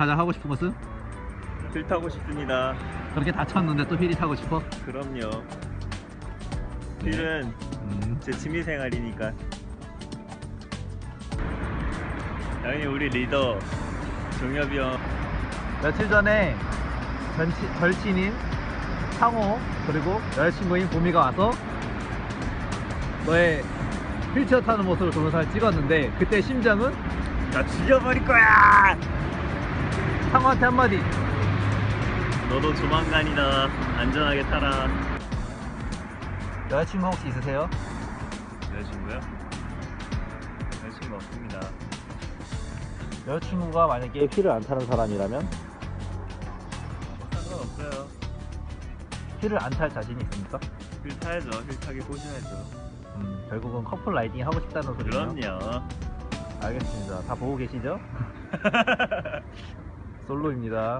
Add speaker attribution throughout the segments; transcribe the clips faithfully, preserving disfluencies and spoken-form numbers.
Speaker 1: 가장 하고 싶은 것은?
Speaker 2: 휠 타고 싶습니다.
Speaker 1: 그렇게 다쳤는데 또 휠이 타고 싶어?
Speaker 2: 그럼요. 휠은
Speaker 1: 음.
Speaker 2: 제 취미생활이니까. 당연히 우리 리더 종엽이 형.
Speaker 1: 며칠 전에 전치, 절친인 상호 그리고 여자친구인 보미가 와서 너의 휠체어 타는 모습을 동영상을 찍었는데 그때 심정은?
Speaker 2: 나 죽여버릴 거야!
Speaker 1: 상호한테 한마디.
Speaker 2: 너도 조만간이다. 안전하게 타라.
Speaker 1: 여자친구 혹시 있으세요?
Speaker 2: 여자친구요? 여자친구 없습니다.
Speaker 1: 여자친구가 만약에 휠을 안 타는 사람이라면?
Speaker 2: 상관없어요.
Speaker 1: 휠을 안 탈 자신이 있습니까?
Speaker 2: 휠 타야죠. 휠 타게 꼬셔야죠.
Speaker 1: 음, 결국은 커플 라이딩 하고 싶다는 소리네요.
Speaker 2: 그럼요.
Speaker 1: 알겠습니다. 다 보고 계시죠? 솔로입니다.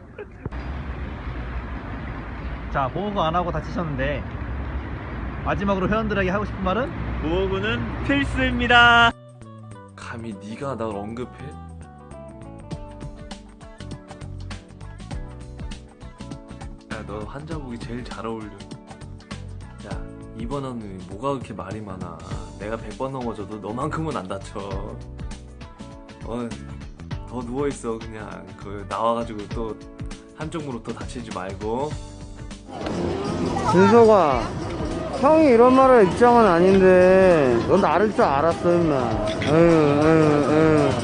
Speaker 1: 자, 보호구 안 하고 다치셨는데 마지막으로 회원들에게 하고 싶은 말은?
Speaker 2: 보호구는 필수입니다.
Speaker 3: 감히 네가 날 언급해? 야, 너 한자복이 제일 잘 어울려. 야, 이번 언니 뭐가 그렇게 말이 많아. 내가 백 번 넘어져도 너만큼은 안 다쳐. 어, 더 누워있어. 그냥 그 나와가지고 또 한쪽 무릎 또 다치지 말고.
Speaker 4: 준석아, 형이 이런 말할 입장은 아닌데 넌 나를 줄 알았어 임마. 에휴 에휴 에휴.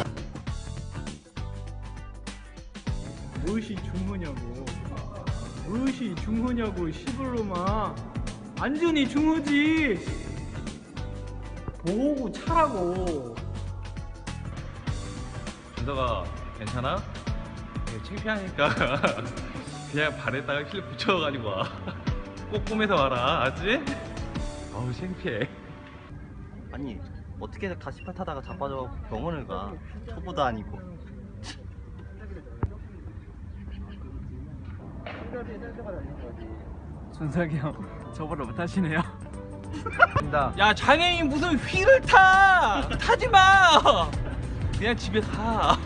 Speaker 5: 무엇이 중후냐고, 무엇이 중후냐고. 시불로마 안전이 중후지. 보호구 차라고.
Speaker 6: 준서가 괜찮아? 창피하니까 그냥 발에다가 힐 붙여가지고 와. 꼭 꿈에서 와라, 알았지? 어우 창피해.
Speaker 7: 아니 어떻게 가시팔 타다가 자빠져 병원을 가. 초보도 아니고.
Speaker 5: 준석이 형 저보다 못하시네요.
Speaker 6: 야, 장애인 무슨 휠을 타! 타지 마! 그냥 집에 가.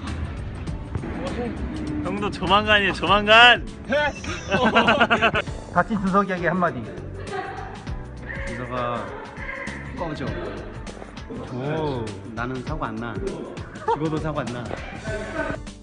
Speaker 2: 형도 조만간이에요. 조만간.
Speaker 1: 다친 준석이에게 한마디.
Speaker 7: 준석아 꺼져.
Speaker 1: 오.
Speaker 7: 나는 사고 안 나. 죽어도 사고 안 나.